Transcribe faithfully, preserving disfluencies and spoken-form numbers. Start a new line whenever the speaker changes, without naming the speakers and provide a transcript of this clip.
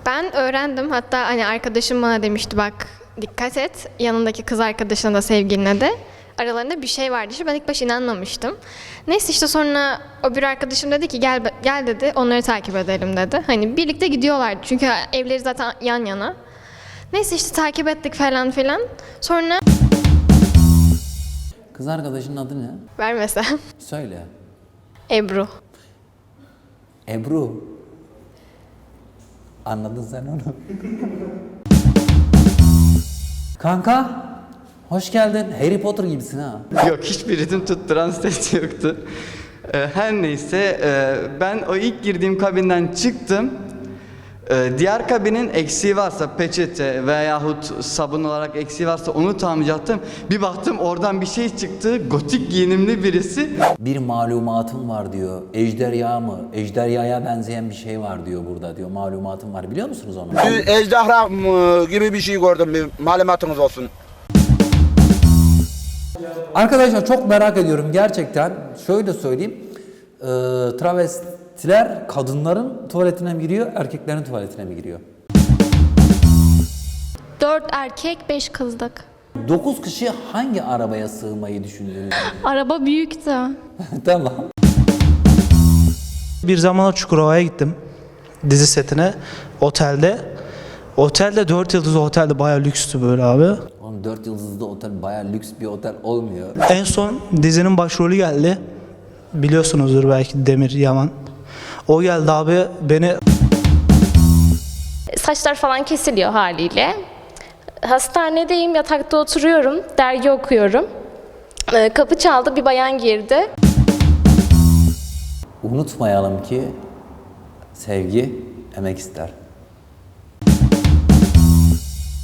Ben öğrendim. Hatta hani arkadaşım bana demişti bak dikkat et. Yanındaki kız arkadaşına da sevgiline de. Aralarında bir şey vardı. İşte ben ilk başta inanmamıştım. Neyse işte sonra o bir arkadaşım dedi ki gel gel dedi onları takip edelim dedi. Hani birlikte gidiyorlardı çünkü evleri zaten yan yana. Neyse işte takip ettik falan filan. Sonra...
Kız arkadaşının adı ne?
Vermesem.
Söyle.
Ebru.
Ebru. Anladın sen onu. Kanka, hoş geldin. Harry Potter gibisin ha.
Yok, hiçbir ritim tutturan ses yoktu. Ee, her neyse e, ben o ilk girdiğim kabinden çıktım. Ee, diğer kabinin eksiği varsa peçete veyahut sabun olarak eksiği varsa onu tamamlayacaktım. Bir baktım oradan bir şey çıktı. Gotik giyinimli birisi.
Bir malumatım var diyor. Ejderha mı? Ejderhaya benzeyen bir şey var diyor burada diyor. Malumatım var. Biliyor musunuz onu?
Bir ejderha mı gibi bir şey gördüm, bir malumatınız olsun.
Arkadaşlar çok merak ediyorum gerçekten. Şöyle söyleyeyim. Ee, travestiler kadınların tuvaletine mi giriyor, erkeklerin tuvaletine mi giriyor?
Dört erkek, beş kızdık.
Dokuz kişi hangi arabaya sığmayı düşündünüz?
Araba büyüktü.
Tamam.
Bir zamanlar Çukurova'ya gittim. Dizi setine, otelde. Otelde dört yıldızlı otelde bayağı lükstü böyle abi.
Oğlum dört yıldızlı otel bayağı lüks bir otel olmuyor.
En son dizinin başrolü geldi. Biliyorsunuzdur belki Demir Yaman. O geldi abi beni...
Saçlar falan kesiliyor haliyle. Hastanedeyim, yatakta oturuyorum, dergi okuyorum. Ee, Kapı çaldı, bir bayan girdi.
Unutmayalım ki sevgi emek ister.